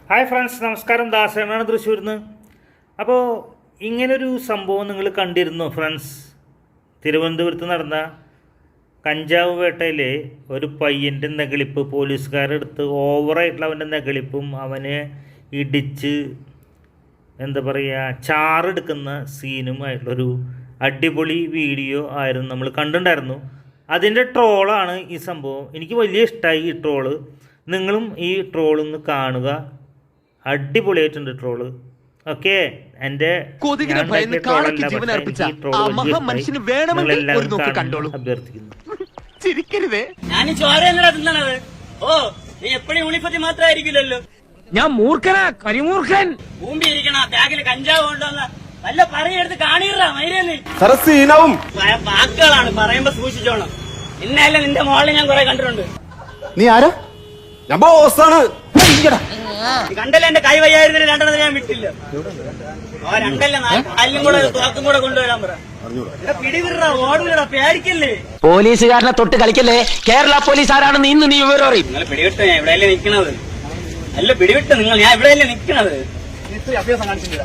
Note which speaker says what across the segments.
Speaker 1: Hi friends, നമസ്കാരം. ദാസനാണ് തൃശ്ശൂരിൽ നിന്ന്. അപ്പോൾ ഇങ്ങനൊരു സംഭവം നിങ്ങൾ കണ്ടിരുന്നു ഫ്രണ്ട്സ്? തിരുവനന്തപുരത്ത് നടന്ന കഞ്ചാവ് വേട്ടയിലെ ഒരു പയ്യൻ്റെ നെകളിപ്പ് പോലീസുകാരെടുത്ത് ഓവറായിട്ടുള്ള അവൻ്റെ നെകളിപ്പും അവനെ ഇടിച്ച് എന്താ പറയുക ചാറെടുക്കുന്ന സീനുമായിട്ടുള്ളൊരു അടിപൊളി വീഡിയോ ആയിരുന്നു നമ്മൾ കണ്ടിട്ടുണ്ടായിരുന്നു. അതിൻ്റെ ട്രോളാണ് ഈ സംഭവം. എനിക്ക് വലിയ ഇഷ്ടമായി ഈ ട്രോള്. നിങ്ങളും ഈ ട്രോളൊന്ന് കാണുക. അടിപൊളിയായിട്ടുണ്ട് ട്രോള്. ഓക്കെ, എൻ്റെ അഭ്യർത്ഥിക്കുന്നു.
Speaker 2: ഞാൻ മൂർഖനാ, കരിമൂർഖൻ.
Speaker 3: ഭൂമി ഇരിക്കണ ബാഗിൽ കഞ്ചാവ് കൊണ്ടുവന്ന വല്ല പറയെടുത്ത് കാണിടാ മൈരേന്ന് വാക്കുകളാണ് പറയുമ്പോ സൂക്ഷിച്ചോണം. ഇന്നല്ല നിന്റെ മോളിൽ ഞാൻ കുറെ കണ്ടിട്ടുണ്ട്.
Speaker 4: നീ ആരാ? ഞാൻ ബോസാണ്.
Speaker 3: കണ്ടല്ലേ എന്റെ കൈ വയ്യായിരുന്നില്ല, രണ്ടെണ്ണം ഞാൻ വിട്ടില്ല. രണ്ടല്ല കാലിലും കൂടെ തോക്കും കൂടെ കൊണ്ടുവരാൻ പറ. പിടിവിടാ, ഓടില്ലടാ, പേടിക്കല്ലേ.
Speaker 2: പോലീസുകാരനെ തൊട്ട് കളിക്കല്ലേ. കേരള പോലീസ് ആരാണെന്ന് ഇന്ന് നീ വിവരം അറിയും.
Speaker 3: നിങ്ങൾ പിടിവിട്ട് ഞാൻ എവിടെയല്ലേ നിക്കണത്? അല്ല പിടിവിട്ട് നിങ്ങൾ, ഞാൻ എവിടെയല്ലേ നിക്കണത്? അഭ്യാസം കാണിച്ചില്ല.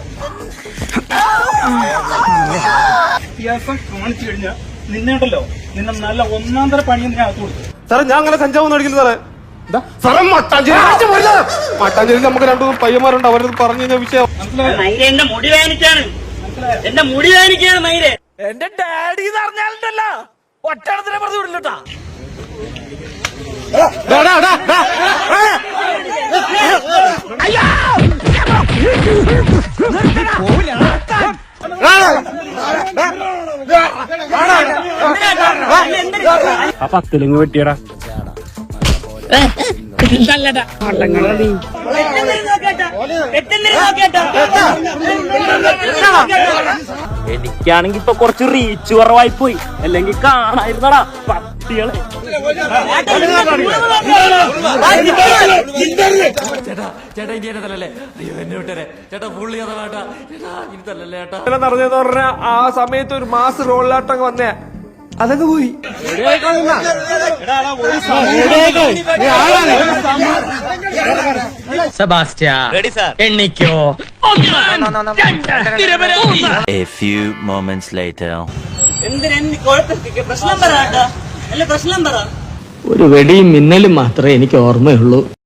Speaker 3: അഭ്യാസം കാണിച്ചു കഴിഞ്ഞാൽ നിന്നുണ്ടല്ലോ, നിന്നെ നല്ല ഒന്നാം തര പണിയും ഞാൻ അകത്ത് കൊടുത്തു.
Speaker 4: സാറേ, ഞാൻ അങ്ങനെ കഞ്ചാവ് മേടിക്കില്ല സാറേ. സാറേ, മട്ടാഞ്ചേരി നമുക്ക് രണ്ടു പയ്യന്മാരുണ്ട്, അവരത് പറഞ്ഞു കഴിഞ്ഞ വിഷയം.
Speaker 3: എന്റെ മുടി വേനിക്കാണ്, എന്റെ മുടി വേനിക്കാണ് മൈരെ.
Speaker 2: എന്റെ ഡാഡി എന്ന് പറഞ്ഞാലുണ്ടല്ലോ ഒറ്റടത്തിനെ പറഞ്ഞു വിടില്ലട്ടാ.
Speaker 1: ആ പത്തിലിങ് വെട്ടിയടാ.
Speaker 2: എനിക്കാണെങ്കി ഇപ്പൊ കുറച്ച് റീച്ച് കുറവായി പോയി, അല്ലെങ്കിൽ കാണായിരുന്നടാ പട്ടികളെ. ചേട്ടാ ഇനി എന്നെ തല്ലല്ലേ? അയ്യോ എന്നെ വിട്ടേ ചേട്ടാ, പുള്ളി ചേട്ടാ ഇനി തല്ലല്ലേ ചേട്ടാ.
Speaker 4: നടന്നെന്ന് പറഞ്ഞ ആ സമയത്ത് ഒരു മാസ് റോളിലാട്ടം വന്നേ, അതൊക്കെ പോയി.
Speaker 2: സെബാസ്റ്റ്യ എണ്ണിക്കോ.
Speaker 5: A few moments later.
Speaker 3: പ്രശ്നം പറ, അല്ല പ്രശ്നം പറ.
Speaker 2: ഒരു വെടിയും മിന്നലും മാത്രമേ എനിക്ക് ഓർമ്മയുള്ളൂ.